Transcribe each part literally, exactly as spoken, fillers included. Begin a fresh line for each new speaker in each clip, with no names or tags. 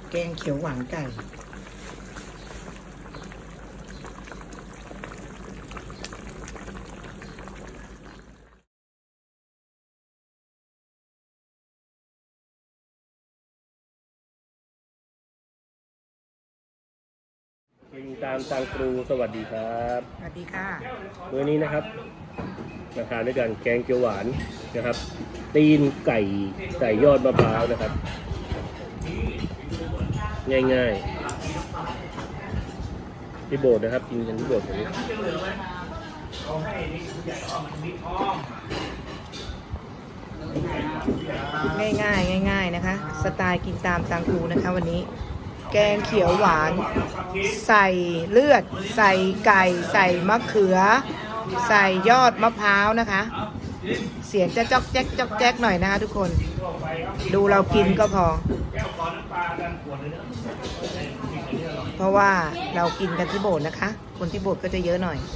แกงเขียวหวานไก่
กินตามตังครูสวัสดีครับ
สวัสดีค่ะ
มื้อนี้นะครับมาทานด้วยกันแกงเขียวหวานนะครับ ตีนไก่ใส่ยอดมะพร้าวนะครับ ง่ายๆที่โบสถ์นะครับกินกันที่โบสถ์อย่างนี้
ง่ายๆง่ายๆนะคะสไตล์กินตามตังครูนะคะวันนี้แกงเขียวหวานใส่เลือดใส่ไก่ใส่มะเขือใส่ยอดมะพร้าวนะคะเสียงจะจ๊อกแจ๊กจ๊อกแจ๊กหน่อยนะคะทุกคนดูเรากินก็พอเพราะว่าเรากินกันที่โบสถ์นะคะคนที่โบสถ์ก็จะเยอะหน่อย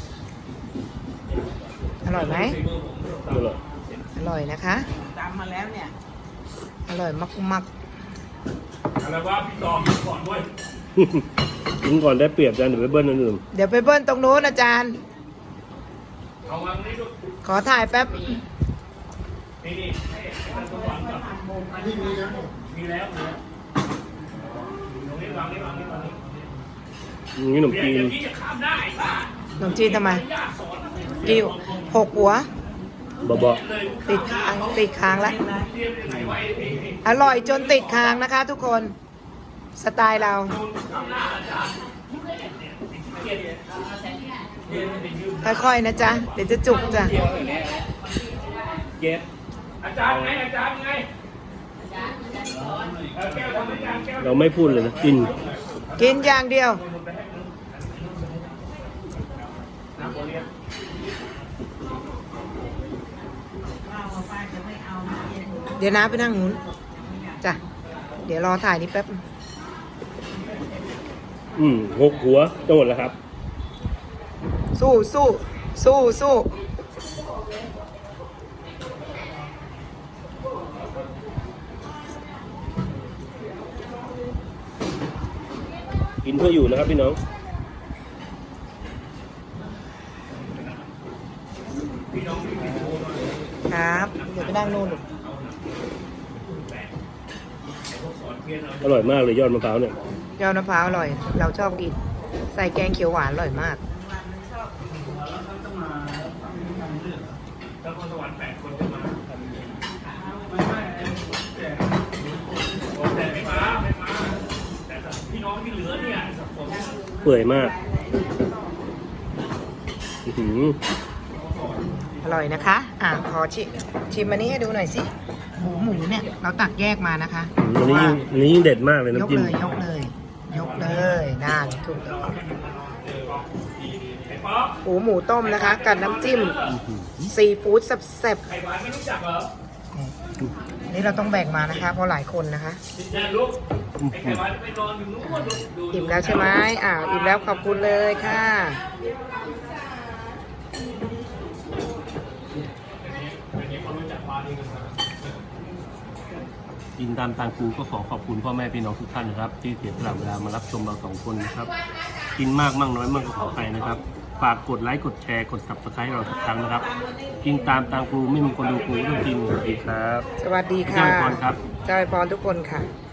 อร่อยไหมอร่อยนะคะตามมาแล้วเนี่ยอร่อยมากๆ
อะไรว่าพี่ตอกินก่อนด้วย
กินก่อนได้เปรียบกันเดี๋ยวไปเบิ้ลอันอื่น
เดี๋ยวไปเบิ้ลตรงโน้นอาจารย์
เอาวางนี่ดู
ขอถ่ายแป๊บ
นี่นี่ให้ตัวหวานก่อนมีแล้วมีแล้วตรงนี้วางนี่วางนี่วางนี่
นี่ขนมจีน
ที่จะข้ามได้ป่ะ
ขนมจีนทำไมกิ้วหกหัว
บ่บ่
ติดค้างติดค้างแล้วอร่อยจนติดค้างนะคะทุกคนสไตล์เราค่อยๆนะจ๊ะเดี๋ยวจะจุกจ้ะ
เย็บอาจารย์ไงอาจารย์ไงแก้วทำไม่ยากแก้ว
เราไม่พูดเลยนะกิน
กินอย่างเดียวเดี๋ยวน้าไปนั่งนู้นจ้ะเดี๋ยวรอถ่ายนี่แป๊บ
อืมหกหัวจะหมดแล้วครับ
สู้สู้สู้สู้
กินเพื่ออยู่นะครับพี่น้อง
ครับเดี๋ยวไปนั่งนู่น
อร่อยมากเลยยอดมะพร้าวเนี่ย
ยอดมะพร้าวอร่อยเราชอบกินใส่แกงเขียวหวานอร่อยมาก
แล้วคนสวรรค์แปดคนจะมาแต่ไม่มาไม่มาแต่พี่น้องที่เหลือเนี่ย
เปื่อยมากอือ
อร่อยนะคะอ่ะขอชิชิมอันนี้ให้ดูหน่อยสิหมูหมูเนี่ยเราตักแยกมานะคะ
อันนี้อันนี้ยิ่งเด็ดมากเลยน้ำจิ้ม
ยกเลยยกเลยยกเลยน่าถูกหมูหมูต้มนะคะกับน้ำจิ้มซีฟู้ดแซ่บๆนี่เราต้องแบ่งมานะคะเพราะหลายคนนะคะอิ่มแล้วใช่ไหมอ่าอิ่มแล้วขอบคุณเลยค่ะ
กินตามตามครูก็ขอขอบคุณพ่อแม่พี่น้องทุกท่านนะครับที่เสียสละเวลามารับชมเราสองคนนะครับกินมากมั่งน้อยมั่งก็ขอไปนะครับฝากกดไลค์กดแชร์กด ซับสไครบ์ เราทุกครั้งนะครับกินตามตามครูไม่มีคนดูครูต้องกินสวัสดีครับ
สวัสดีค่ะ
เจ้าพรครับ
เจ้าพรทุกคนค่ะ